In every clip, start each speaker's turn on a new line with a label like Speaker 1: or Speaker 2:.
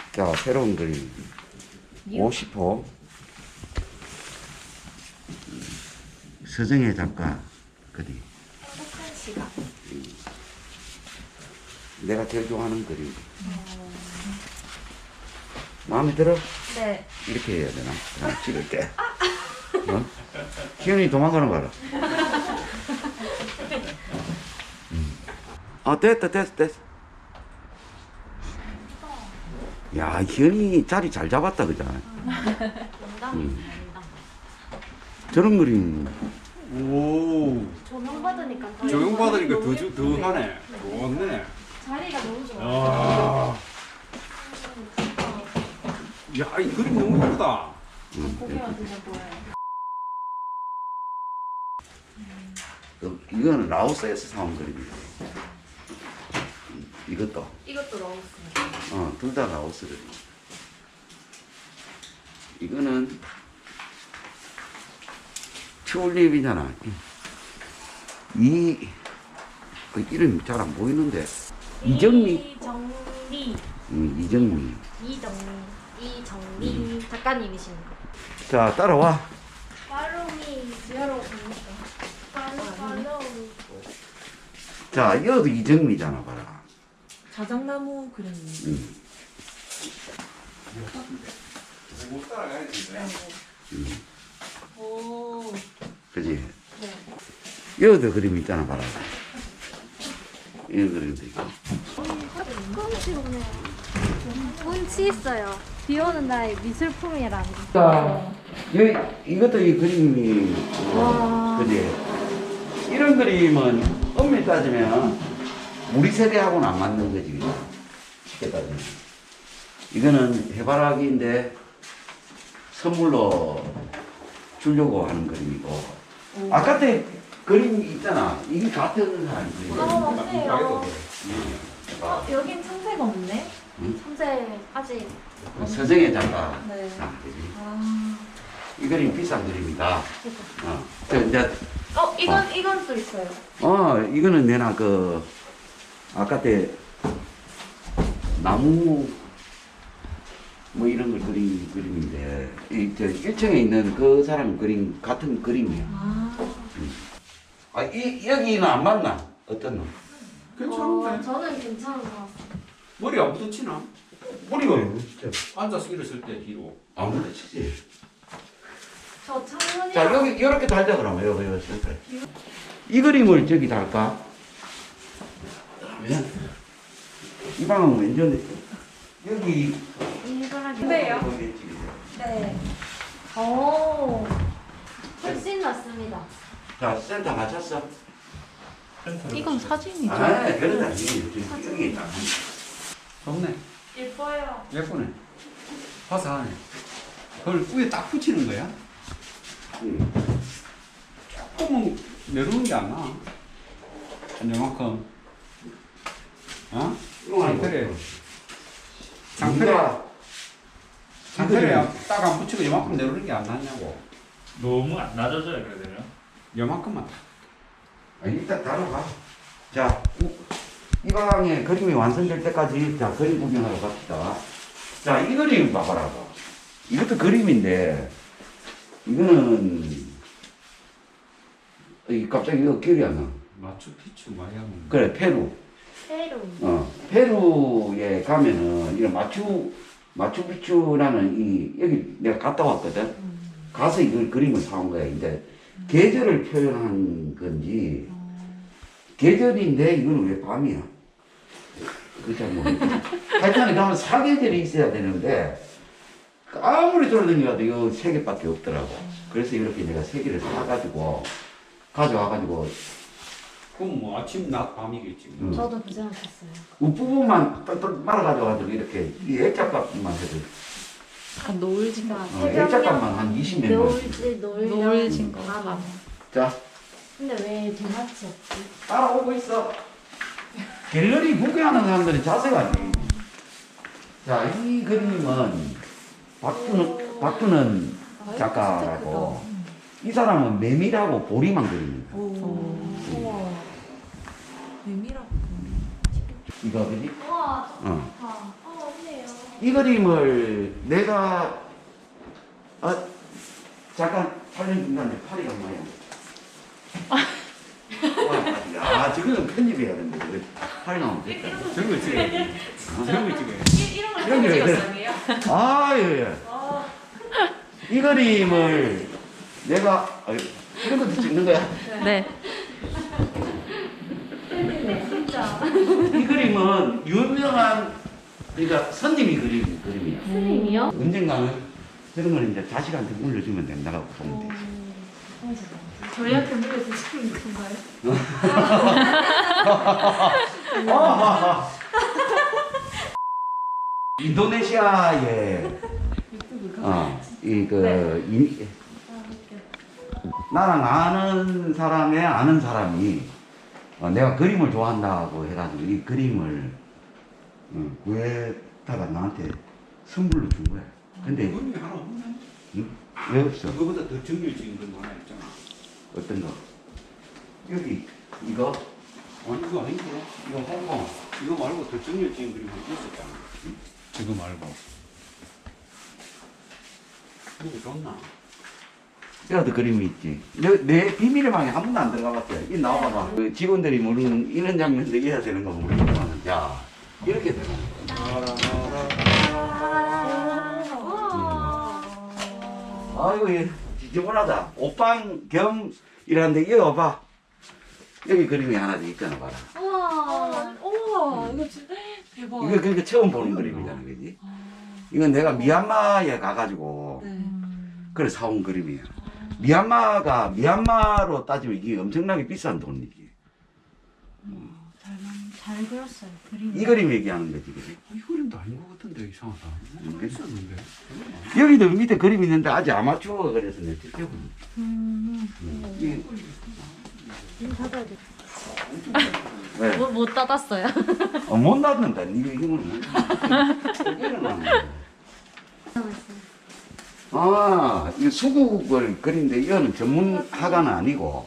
Speaker 1: 자, 새로운 그림. 50호. 서정혜 작가 그림.
Speaker 2: 행복한 시간.
Speaker 1: 내가 제일 좋아하는 그림. 마음에 들어?
Speaker 2: 네.
Speaker 1: 이렇게 해야 되나? 찍을 때. 어? 희연이 도망가는 거 알아? 됐어. 야, 희연이 자리 잘 잡았다, 그잖아. 저런 그림.
Speaker 3: 오,
Speaker 2: 조명 받으니까 더
Speaker 3: 조용 받으니까
Speaker 2: 너무
Speaker 3: 더
Speaker 2: 예쁜데.
Speaker 3: 하네. 좋네.
Speaker 2: 자리가 너무 좋아.
Speaker 3: 아, 야, 이 그림 너무 예쁘다.
Speaker 2: 고개가 진짜 보여요.
Speaker 1: 이거는 라오스에서 사온 그림이야. 이것도.
Speaker 2: 이것도 넣었습니다.
Speaker 1: 둘 다 라오스 그림. 이거는 튤립이잖아. 이름이 잘 안 보이는데. 이정미. 이정미.
Speaker 2: 이정미 작가님이십니다.
Speaker 1: 자, 따라와.
Speaker 2: 팔로미 지하로 갑니까? 팔로미.
Speaker 1: 자, 이것도 이정미잖아, 봐라.
Speaker 4: 자작나무 그림이에요.
Speaker 3: 못 따라가야 돼.
Speaker 4: 오.
Speaker 1: 그지?
Speaker 4: 네.
Speaker 1: 이것도 그림 있잖아, 봐라. 이런 그림도 있고.
Speaker 2: 운치 오네요. 운치 있어요. 비 오는 날 미술품이랑.
Speaker 1: 자, 이것도 이 그림이, 그지? 이런 그림은 엄밀히 따지면 우리 세대하고는 안 맞는 거지, 그죠? 쉽게 따지면. 이거는 해바라기인데 선물로 주려고 하는 그림이고. 아까 때 그림 있잖아. 이게 같은 사람 그림.
Speaker 2: 맞네요. 여긴 참새가 없네.
Speaker 1: 응?
Speaker 2: 참새 아직.
Speaker 1: 서정혜 작가.
Speaker 2: 네.
Speaker 1: 그지?
Speaker 2: 아.
Speaker 1: 이 그림 비싼 그림이다. 이제
Speaker 2: 이건 또 있어요.
Speaker 1: 이거는 내나 아까 때 나무 뭐 이런 걸 그린 그림인데 저 1층에 있는 그 사람 그림 같은 그림이야. 여기는 안 맞나? 어떤 놈?
Speaker 3: 괜찮은데.
Speaker 2: 저는 괜찮은 것 같아요.
Speaker 3: 머리 안 부딪히나?
Speaker 1: 머리가 진짜
Speaker 3: 앉아서 일었을 때 뒤로.
Speaker 1: 안 부딪히지.
Speaker 2: 저 창문이.
Speaker 1: 자, 여기 이렇게 달자 그러면 여기 센터에. 이 그림을 저기 달까? 그러면 이 방은 왼쪽에 여기
Speaker 2: 일그라기. 네요. 네. 오. 훨씬 낫습니다.
Speaker 1: 자, 센터 맞췄어.
Speaker 4: 이건 사진이죠.
Speaker 1: 그러다 여기 있다.
Speaker 3: 좋네.
Speaker 2: 예뻐요.
Speaker 3: 예쁘네. 화사하네. 그걸 위에 딱 붙이는 거야? 조금은 내려오는 게 안 나. 이만큼. 어? 상태래. 상태래 딱 안 붙이고 이만큼 내려오는 게 안 나냐고.
Speaker 5: 너무 안 낮아져요, 그러면?
Speaker 3: 이만큼만.
Speaker 1: 일단 다뤄가. 자, 이 방에 그림이 완성될 때까지 자 그림 구경하러 갑시다. 자, 이 그림 봐봐라. 이것도 그림인데 이거는 갑자기 이거 기억이 안 나.
Speaker 3: 마추픽추 마야는.
Speaker 1: 그래, 페루.
Speaker 2: 페루.
Speaker 1: 페루에 가면은 이런 마추픽추라는 여기 내가 갔다 왔거든. 가서 이걸 그림을 사온 거야. 근데 계절을 표현한 건지 계절인데 이거는 왜 밤이야? 그거 잘 모르겠어. 하여튼 가면 사계절이 있어야 되는데 아무리 돌아다녀도 이거 3개밖에 없더라고. 그래서 이렇게 내가 3개를 사가지고 가져와가지고
Speaker 3: 그럼 뭐 아침, 낮, 밤이겠지.
Speaker 2: 저도 그 생각했어요.
Speaker 1: 윗부분만 똘똘 말아가지고 이렇게 이 액자값만 해도
Speaker 4: 약간 노을진가.
Speaker 1: 액자값만 한 20몇 원.
Speaker 4: 노을진 거.
Speaker 2: 맞아.
Speaker 1: 자,
Speaker 2: 근데 왜 대마치 없지?
Speaker 1: 따라오고 있어. 갤러리 구경하는 사람들이 자세가 아니에요. 자, 이 그림은 박두는 작가라고. 이 사람은 메밀하고 보리만 그립니다.
Speaker 2: 우와.
Speaker 4: 의미라고.
Speaker 1: 이거 그지?
Speaker 2: 우와,
Speaker 1: 어.
Speaker 2: 좋다. 맞네요.
Speaker 1: 이 그림을 내가 잠깐 촬영 중간에 파리가 뭐야? 야, 저거는 편집해야 되는데 왜 파리 나오면 됐다.
Speaker 3: 저런 거 찍어야지. 저런 거 찍어야지.
Speaker 1: 이런 게 왜 그래? 아, 예, 예. 이 그림을 내가 이런 것도 찍는 거야?
Speaker 4: 네.
Speaker 2: 진짜.
Speaker 1: 이 그림은 유명한 그러니까 선님이 그린 그림이야.
Speaker 2: 선생님이요?
Speaker 1: 언젠가는 저런 거는 이제 자식한테 물려주면 된다고 보면 돼.
Speaker 2: 저희한테 물려주시는 건가요?
Speaker 1: 인도네시아에 나랑 아는 사람의 아는 사람이 내가 그림을 좋아한다고 해가지고 이 그림을 구해다가 나한테 선물로 준 거야. 근데
Speaker 3: 그림이 하나 없네.
Speaker 1: 왜 없어?
Speaker 3: 그거보다 더 정렬 찍은 그림 하나 있잖아.
Speaker 1: 어떤 거? 여기 이거
Speaker 3: 아니 이거 아니고 이거 홍콩. 이거 말고 더 정렬 찍은 그림 하나 있었잖아. 이거 말고. 이거 좋나?
Speaker 1: 여기도 그림이 있지. 내 비밀의 방에 한 번도 안 들어가봤어요. 이 나와봐봐. 그 직원들이 모르는 이런 장면도 이해야 되는 거 모르지만, 야 이렇게 되는 거야. 아이고 얘 지저분하다. 옷방 겸 이라는데 이거 봐봐. 여기 그림이 하나 더 있잖아, 봐라.
Speaker 4: 우와. 우와. 이거 진짜 대박.
Speaker 1: 이거 그러니까 처음 보는 그림이잖아, 그지? 이건 내가 미얀마에 가가지고
Speaker 4: 네.
Speaker 1: 그래 사온 그림이야. 미얀마로 따지면 이게 엄청나게 비싼 돈이지.
Speaker 2: 잘 그렸어요. 그림.
Speaker 1: 이 그림 얘기하는 거지, 그지?
Speaker 3: 이 그림도 아닌 것 같은데 이상하다. 뭔가 있었는데.
Speaker 1: 여기도 밑에 그림 있는데 아직 아마추어가 그래서 내가 찍혀본. 이
Speaker 2: 문 닫아야 돼.
Speaker 1: 왜?
Speaker 2: 못 닫았어요.
Speaker 1: 못 놔둔다. 니가 힘을 못 놔. 아, 이 수국을 그린데 이거는 전문화가는 아니고,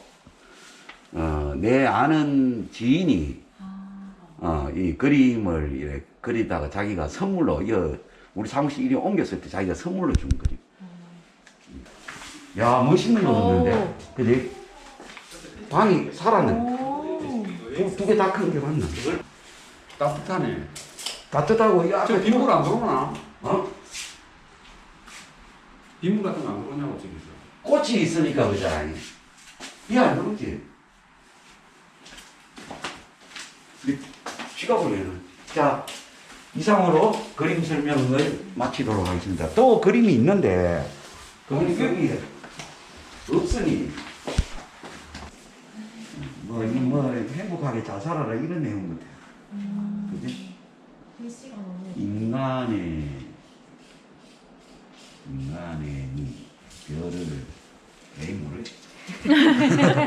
Speaker 1: 내 아는 지인이, 이 그림을 이렇게 그리다가 자기가 선물로, 우리 사무실 이리 옮겼을 때 자기가 선물로 준 그림. 야, 멋있는 거 없는데. 근데 방이 살았네. 두 개 다 큰 게 맞나?
Speaker 3: 따뜻하네.
Speaker 1: 따뜻하고, 이
Speaker 3: 저
Speaker 1: 앞에.
Speaker 3: 빗물 안 들어오나? 빗물 같은 거 안 들어오냐고 저기서.
Speaker 1: 꽃이 있으니까 그잖아. 이안 들어오지. 쉬가 보내는. 자, 이상으로 그림 설명을 마치도록 하겠습니다. 또 그림이 있는데, 그림이 여기 없으니, 행복하게 잘 살아라 이런 내용 같아. 그지?
Speaker 2: 글씨가 너무.
Speaker 1: 인간의 별을 에이 모르지.